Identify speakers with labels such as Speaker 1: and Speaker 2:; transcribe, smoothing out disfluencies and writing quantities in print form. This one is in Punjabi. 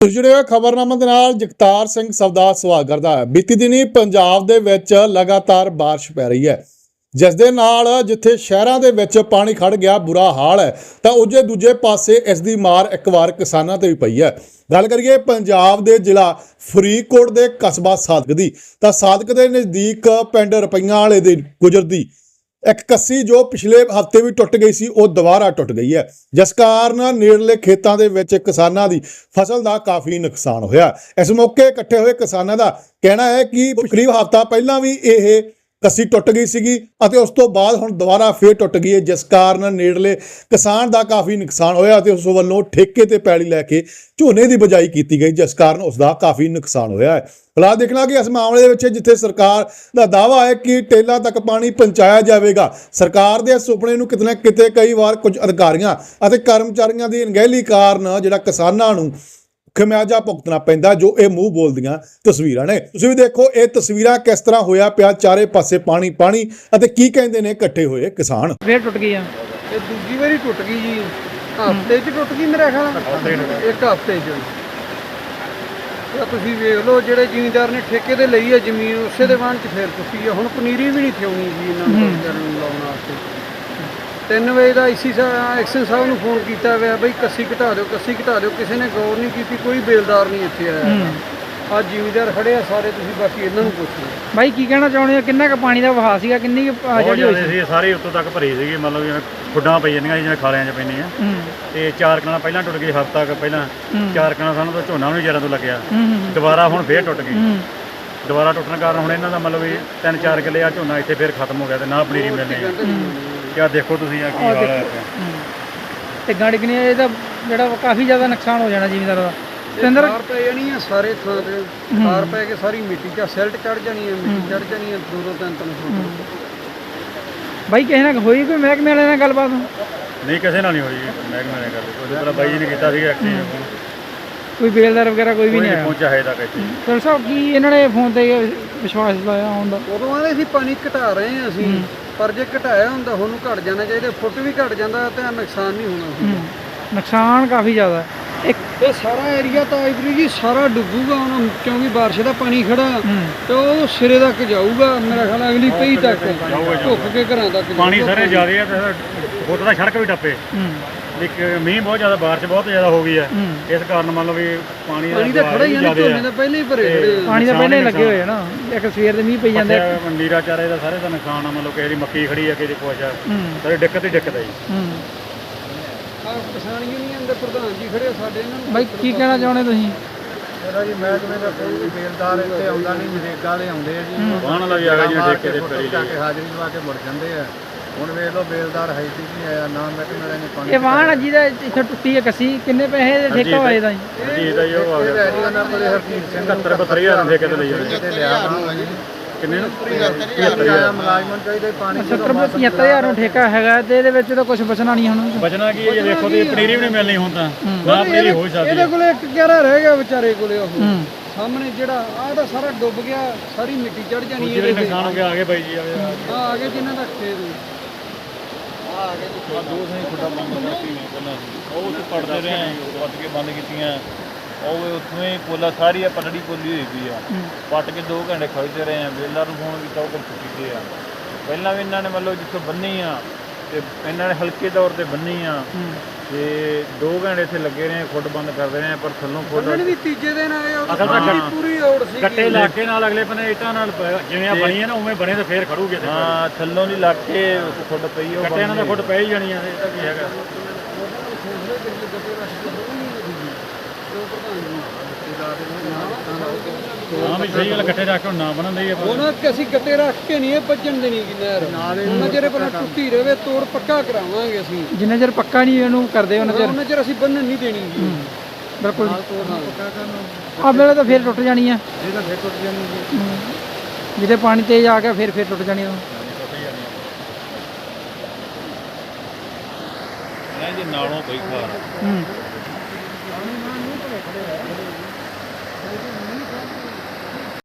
Speaker 1: जुड़े हुए खबरनामे दे नाल जगतार सिंह सवदा सवाल करदा है। बीती दिनी पंजाब दे विच लगातार बारिश पै रही है, जिस दे नाल जिथे शहरां दे विच पानी खड़ गया बुरा हाल है, तां उजे दूजे पासे इस दी मार एक बार किसानां ते भी पई है। गल करिए पंजाब दे जिला फरीदकोट दे कस्बा सादक दी, तां सादक दे नज़दीक पिंड रुपईयां वाले दे गुजरदी एक कस्सी जो पिछले हफ्ते भी टुट गई सी वो दोबारा टुट गई है, जिस कारण नेड़ले खेतों के विच किसानां दी फसल का काफ़ी नुकसान होया। इस मौके इकट्ठे हुए किसानां दा कहना है कि करीब हफ्ता पहला भी ये कस्सी टुट गई सीगी अते उस तो बाद हुण दोबारा फिर टुट गई है, जिस कारण नेड़ले किसान का काफ़ी नुकसान होया ते उस वल्लों ठेके ते पैली लैके झोने की बिजाई की गई, जिस कारण उसका काफ़ी नुकसान होया है। फिलहाल देखना कि इस मामले में जिथे सरकार का दावा है कि टेला तक पानी पहुँचाया जाएगा, सरकार के सुपने नूं किते ना किते कई बार कुछ अधिकारियों और कर्मचारियों की अणगहली कारण जिहड़ा किसानां नूं खमियाजा भुगतना पैंदा, जो ये मूँह बोलदियां तस्वीरां ने। तुसीं भी देखो ये तस्वीरां किस तरह होया पिया, चारे पासे पानी पानी अते की कहंदे ने इकट्ठे होए किसान।
Speaker 2: फिर टुट गई
Speaker 3: ਇਹ ਦੂਜੀ ਵਾਰੀ ਟੁੱਟ ਗਈ ਜੀ, ਹਫ਼ਤੇ 'ਚ ਟੁੱਟ ਗਈ ਮੇਰੇ ਖਿਆਲ ਨਾਲ, ਇੱਕ ਹਫ਼ਤੇ 'ਚ। ਤਾਂ ਤੁਸੀਂ ਵੇਖ ਲਓ ਜਿਹੜੇ ਜ਼ਿਮੀਂਦਾਰ ਨੇ ਠੇਕੇ ਤੇ ਲਈ ਹੈ ਜ਼ਮੀਨ ਉਸੇ ਦੇ ਵਾਹਣ 'ਚ ਫੇਰ ਟੁੱਟੀ ਹੈ। ਹੁਣ ਪਨੀਰੀ ਵੀ ਨਹੀਂ ਥਿਉਣੀ ਜੀ ਇਹਨਾਂ ਨੂੰ ਕਰਨ ਨੂੰ ਲਾਉਣ ਵਾਸਤੇ। 3 ਵਜੇ ਦਾ ਐਕਸ਼ਨ ਸਾਹਿਬ ਨੂੰ ਫੋਨ ਕੀਤਾ ਹੋਇਆ ਬਈ ਕੱਸੀ ਘਟਾ ਦਿਓ, ਕੱਸੀ ਘਟਾ ਦਿਓ, ਕਿਸੇ ਨੇ ਗੌਰ ਨਹੀਂ ਕੀਤੀ, ਕੋਈ ਬੇਲਦਾਰ ਨਹੀਂ ਇੱਥੇ ਆਇਆ। ਅੱਜ ਜ਼ਿਮੀਂਦਾਰ ਖੜੇ ਆ ਸਾਰੇ, ਤੁਸੀਂ ਬਾਕੀ ਇਹਨਾਂ ਨੂੰ ਪੁੱਛ ਲਓ।
Speaker 2: ਬਾਈ ਕੀ ਕਹਿਣਾ ਚਾਹੁੰਦੇ ਹੋ, ਕਿੰਨਾ ਕੁ ਪਾਣੀ ਦਾ ਵਹਾਅ ਸੀਗਾ, ਕਿੰਨੀ
Speaker 4: ਜਿਹੜੀ ਹੋਈ ਸੀ ਸਾਰੀ ਉੱਤੋਂ ਤੱਕ ਭਰੀ ਸੀਗੀ, ਮਤਲਬ ਜਿਵੇਂ ਖੁੱਡਾਂ ਪਈ ਜਾਂਦੀਆਂ ਸੀ ਜਿਵੇਂ ਖਾਲਿਆਂ 'ਚ ਪੈਂਦੀਆਂ, ਤੇ 4 ਕਣਾਂ ਪਹਿਲਾਂ ਟੁੱਟ ਗਈ, ਹਫ਼ਤਾ ਕੁ ਪਹਿਲਾਂ 4 ਕਣਾਂ ਸਾਨੂੰ ਤਾਂ ਝੋਨਾ ਵੀ ਜਰਾਂ ਤੋਂ ਲੱਗਿਆ, ਦੁਬਾਰਾ ਹੁਣ ਫੇਰ ਟੁੱਟ ਗਈ। ਦੁਬਾਰਾ ਟੁੱਟਣ ਕਾਰਨ ਹੁਣ ਇਹਨਾਂ ਦਾ ਮਤਲਬ ਵੀ 3-4 ਕਿੱਲੇ ਆ ਝੋਨਾ ਇੱਥੇ ਫੇਰ ਖਤਮ ਹੋ ਗਿਆ ਤੇ ਨਾ ਪਨੀਰੀ ਮਿਲਣੀ। ਕਿਆ ਦੇਖੋ ਤੁਸੀਂ ਆ ਕੀ ਹਾਲ ਹੈ
Speaker 2: ਤੇ ਗਾੜੀ ਕਿੰਨੀ ਇਹਦਾ ਜਿਹੜਾ ਕਾਫੀ ਜ਼ਿਆਦਾ ਨੁਕਸਾਨ ਹੋ ਜਾਣਾ ਜ਼ਿਮੀਂਦਾਰਾਂ ਦਾ।
Speaker 3: ਖਾਰ ਪੈ ਜਾਣੀ ਆ ਸਾਰੇ ਥਾਂ ਤੇ, ਖਾਰ ਪੈ ਕੇ ਸਾਰੀ ਮਿੱਟੀ 'ਚ ਸਿਲਟ ਚੜ ਜਾਣੀ ਹੈ, ਮਿੱਟੀ ਚੜ ਜਾਣੀ ਹੈ 2-3 ਫੁੱਟ।
Speaker 2: ਬਾਈ ਕਿਸੇ ਨਾਲ ਹੋਈ ਕੋਈ ਮਹਿਕਮੇ ਵਾਲੇ ਨਾਲ ਗੱਲਬਾਤ?
Speaker 4: ਨਹੀਂ, ਕਿਸੇ ਨਾਲ ਨਹੀਂ ਹੋਈ ਮਹਿਕਮੇ ਨੇ ਗੱਲ। ਉਹਦੇ ਤਰ੍ਹਾਂ ਬਾਈ ਜੀ ਨੇ ਕੀਤਾ ਸੀਗਾ
Speaker 2: ਕੋਈ ਬੇਲਦਾਰ ਵਗੈਰਾ ਕੋਈ ਵੀ ਨਹੀਂ ਆਇਆ
Speaker 4: ਪਹੁੰਚਿਆ ਹੈ ਤੱਕ ਇੱਥੇ।
Speaker 2: ਚਲ ਸਾਹਿਬ ਕੀ ਇਹਨਾਂ ਨੇ ਫੋਨ ਤੇ ਵਿਸ਼ਵਾਸ ਲਾਇਆ ਆਉਣ ਦਾ?
Speaker 3: ਉਦੋਂ ਆਂਦੇ ਸੀ ਪਾਣੀ ਘਟਾ ਰਹੇ ਹਾਂ ਅਸੀਂ, ਪਰ ਜੇ ਘਟਾਇਆ ਹੁੰਦਾ ਹੁਣ ਨੂੰ ਘਟ ਜਾਣਾ ਚਾਹੀਦਾ, ਫੁੱਟ ਵੀ ਘਟ ਜਾਂਦਾ ਤਾਂ ਨੁਕਸਾਨ ਨਹੀਂ ਹੋਣਾ ਸੀ।
Speaker 2: ਨੁਕਸਾਨ ਕਾਫੀ ਜ਼ਿਆਦਾ ਇੱਕ
Speaker 3: ਇਹ ਸਾਰਾ ਏਰੀਆ ਤਾਂ ਆਈਵਰੀ ਜੀ ਸਾਰਾ ਡੁੱਬੂਗਾ ਹੁਣ, ਕਿਉਂਕਿ ਬਾਰਿਸ਼ ਦਾ ਪਾਣੀ ਖੜਾ ਤੇ ਉਹ ਸਿਰੇ ਤੱਕ ਜਾਊਗਾ ਮੇਰਾ ਖਿਆਲ ਅਗਲੀ ਪਈ ਤੱਕ ਢੁੱਕ ਕੇ ਘਰਾਂ ਤੱਕ
Speaker 4: ਪਾਣੀ ਸਾਰੇ ਜ਼ਿਆਦਾ ਹੈ ਤੇ ਫੁੱਟ ਦਾ ਸੜਕ ਵੀ ਟੱਪੇ। ਇੱਕ ਮੀਂਹ ਬਹੁਤ ਜ਼ਿਆਦਾ, ਬਾਰਿਸ਼ ਬਹੁਤ ਜ਼ਿਆਦਾ ਹੋ ਗਈ ਹੈ, ਇਸ ਕਾਰਨ ਮੰਨ ਲਓ ਵੀ ਪਾਣੀ
Speaker 3: ਤਾਂ ਖੜਾ ਹੀ ਆ, ਝੋਨੇ ਤਾਂ ਪਹਿਲਾਂ ਹੀ ਭਰੇ ਖੜੇ,
Speaker 2: ਪਾਣੀ ਤਾਂ ਪਹਿਲਾਂ ਹੀ ਲੱਗੇ ਹੋਏ ਨਾ, ਇੱਕ ਸਵੇਰ ਦੇ ਮੀਂਹ ਪਈ ਜਾਂਦੇ।
Speaker 4: ਨੀਰਾ ਚਾਰੇ ਦਾ ਸਾਰੇ ਦਾ ਨੁਕਸਾਨ ਆ, ਮਤਲਬ ਕਿਸੇ ਦੀ ਮੱਕੀ ਖੜੀ ਆ, ਕਿਸੇ ਦੀ ਕੁਛ ਆ, ਸਾਰੇ ਦਿੱਕਤ ਹੀ ਦਿੱਕਤ ਹੈ ਜੀ।
Speaker 3: ਕਿਸਾਨ ਯੂਨੀਅਨ ਦੇ ਪ੍ਰਧਾਨ ਜੀ ਖੜੇ ਸਾਡੇ, ਇਹਨਾਂ ਨੂੰ
Speaker 2: ਬਾਈ ਕੀ ਕਹਿਣਾ ਚਾਹੁੰਦੇ ਤੁਸੀਂ?
Speaker 3: ਮੇਰਾ ਜੀ ਮਹਿਕਮੇ ਦਾ ਕੋਈ ਵੀ ਬੇਲਦਾਰ ਇੱਥੇ ਆਉਂਦਾ ਨਹੀਂ, ਨਰੇਗਾ ਵਾਲੇ ਆਉਂਦੇ ਆ ਜੀ,
Speaker 4: ਵਾਹਣ ਵਾਲਾ ਵੀ ਆ ਗਿਆ ਜੀ ਠੇਕੇ ਦੇ ਪੈਰੀ
Speaker 3: ਜਾ ਕੇ ਹਾਜ਼ਰੀ ਲਵਾ ਕੇ ਮੁੜ ਜਾਂਦੇ ਆ। ਹੁਣ ਵੇਖ ਲਓ ਬੇਲਦਾਰ ਹੈ ਨਹੀਂ ਆਇਆ, ਨਾ ਮਹਿਕਮੇ ਵਾਲੇ ਨੇ ਪਾਣੀ।
Speaker 2: ਇਹ ਵਾਹਣ ਜਿਹਦਾ ਇੱਥੇ ਟੁੱਟੀ ਹੈ ਕੱਸੀ, ਕਿੰਨੇ ਪੈਸੇ ਦੇ ਠੇਕਾ ਹੋਏ ਦਾ ਜੀ?
Speaker 4: ਜੀ ਦਾ ਜੀ ਉਹ ਆ ਗਿਆ
Speaker 3: ਉਹਨਾਂ ਕੋਲੇ ਹਰਜੀਤ ਸਿੰਘ
Speaker 4: 72,000 ਠੇਕੇ ਤੇ ਲਈ ਹੋਈ
Speaker 3: ਤੇ ਲਿਆ ਨਾ ਜੀ।
Speaker 4: ਕਿੰਨੇ ਨੂੰ
Speaker 3: 75,000 ਮੁਲਾਜ਼ਮਾਂ ਚਾਹੀਦਾ ਪਾਣੀ
Speaker 2: 75,000 ਨੂੰ ਠੇਕਾ ਹੈਗਾ ਤੇ ਇਹਦੇ ਵਿੱਚ ਤਾਂ ਕੁਝ ਬਚਣਾ ਨਹੀਂ ਹੁਣ।
Speaker 4: ਬਚਣਾ ਕੀ ਹੈ ਜੇ ਦੇਖੋ ਤੇ ਪਨੀਰੀ ਵੀ ਨਹੀਂ ਮਿਲਣੀ ਹੁਣ ਤਾਂ, ਨਾ ਪਨੀਰੀ ਹੋ ਸਕਦੀ।
Speaker 3: ਇਹਦੇ ਕੋਲੇ ਇੱਕ ਕਿਹੜਾ ਰਹਿ ਗਿਆ ਵਿਚਾਰੇ ਕੋਲੇ, ਉਹ ਸਾਹਮਣੇ ਜਿਹੜਾ ਆਹ ਤਾਂ ਸਾਰਾ ਡੁੱਬ ਗਿਆ, ਸਾਰੀ ਮਿੱਟੀ ਚੜ ਜਾਣੀ ਹੈ।
Speaker 4: ਜਿਹੜੇ ਨੁਕਸਾਨ ਹੋ ਗਿਆ ਆ ਗਏ ਬਾਈ ਜੀ,
Speaker 3: ਆ ਗਏ ਜਿਨ੍ਹਾਂ ਦਾ ਖੇਤ
Speaker 4: ਆ ਦੋ ਸਹੀ ਖੁੱਡਾ ਬੰਦ ਕਰਤੀ ਨੇ ਪਹਿਲਾਂ, ਉਹ ਉੱਥੇ ਪੜਦੇ ਰਹੇ ਪੱਟ ਕੇ ਬੰਦ ਕੀਤੀਆਂ, ਉਹ ਉੱਥੋਂ ਹੀ ਪੋਲਾ ਸਾਰੀ ਆ ਪਟੜੀ ਪੋਲੀ ਹੋਈ ਪਈ ਆ, ਪੱਟ ਕੇ 2 ਘੰਟੇ ਖੜਦੇ ਰਹੇ ਆ। ਬੇਲਦਾਰ ਨੂੰ ਫੋਨ ਕੀਤਾ, ਉਹ ਕੋਲ ਚੁੱਕੀ ਆ। ਪਹਿਲਾਂ ਵੀ ਇਹਨਾਂ ਨੇ ਮਤਲਬ ਜਿੱਥੋਂ ਬੰਨੀ ਆ ਤੇ ਇਹਨਾਂ ਨੇ ਹਲਕੇ ਤੌਰ ਤੇ ਬੰਨੀ ਆ, ਤੇ 2 ਘੰਟੇ ਇੱਥੇ ਲੱਗੇ ਰਹੇ, ਖੁੱਡ ਬੰਦ ਕਰਦੇ ਰਹੇ, ਪਰ ਥੱਲੋਂ ਖੁੱਡ
Speaker 3: ਵੀ ਤੀਜੇ ਦਿਨ ਆਏ,
Speaker 4: ਅਸਲ ਤਾਂ
Speaker 3: ਪੂਰੀ ਔੜ ਸੀ
Speaker 4: ਗੱਟੇ ਇਲਾਕੇ ਨਾਲ ਅਗਲੇ ਬੰਨੇ ਇੱਟਾਂ ਨਾਲ ਜਿਵੇਂ ਆ ਬਣੀ ਹੈ ਨਾ ਉਵੇਂ ਬਣੇ ਤੇ ਫੇਰ ਖੜੂਗੇ। ਹਾਂ, ਥੱਲੋਂ ਦੀ ਲੱਗ ਕੇ ਖੁੱਡ ਪਈ, ਉਹ ਗੱਟੇ ਇਹਨਾਂ ਦਾ ਖੁੱਡ ਪੈ ਹੀ ਜਾਣੀ ਆ। ਇਹ ਤਾਂ ਕੀ ਹੈਗਾ ਹਾਂ ਵੀ ਸਹੀ ਗੱਲ, ਗੱਟੇ ਰੱਖ ਕੇ ਨਾ ਬਣਨ ਦੇ
Speaker 3: ਉਹਨਾਂ ਕਿ ਅਸੀਂ ਗੱਟੇ ਰੱਖ ਕੇ ਨਹੀਂ ਇਹ ਵੱਜਣ ਦੇਣੀ ਕਿ ਨਹਿਰ, ਉਹਨਾਂ ਚਿਰ ਪਹਿਲਾਂ ਟੁੱਟੀ ਰਵੇ, ਤੋੜ ਪੱਕਾ ਕਰਾਵਾਂਗੇ ਅਸੀਂ।
Speaker 2: ਜਿੰਨਾ ਚਿਰ ਪੱਕਾ ਨਹੀਂ ਇਹਨੂੰ ਕਰਦੇ ਉਹਨਾਂ
Speaker 3: ਚਿਰ ਅਸੀਂ ਬੰਨਣ ਨਹੀਂ ਦੇਣੀ ਜੀ।
Speaker 2: ਬਿਲਕੁਲ ਆ ਵੇਲੇ ਤਾਂ ਫੇਰ ਟੁੱਟ ਜਾਣੀ ਆ,
Speaker 3: ਇਹ ਤਾਂ ਫੇਰ ਟੁੱਟ ਜਾਣੀ ਜੀ।
Speaker 2: ਜਿੱਥੇ ਪਾਣੀ ਤੇਜ਼ ਆ ਗਿਆ ਫੇਰ ਟੁੱਟ ਜਾਣੀ ਆ।
Speaker 4: ਜੀ ਨਾਲੋਂ ਪਈ ਖਾਰ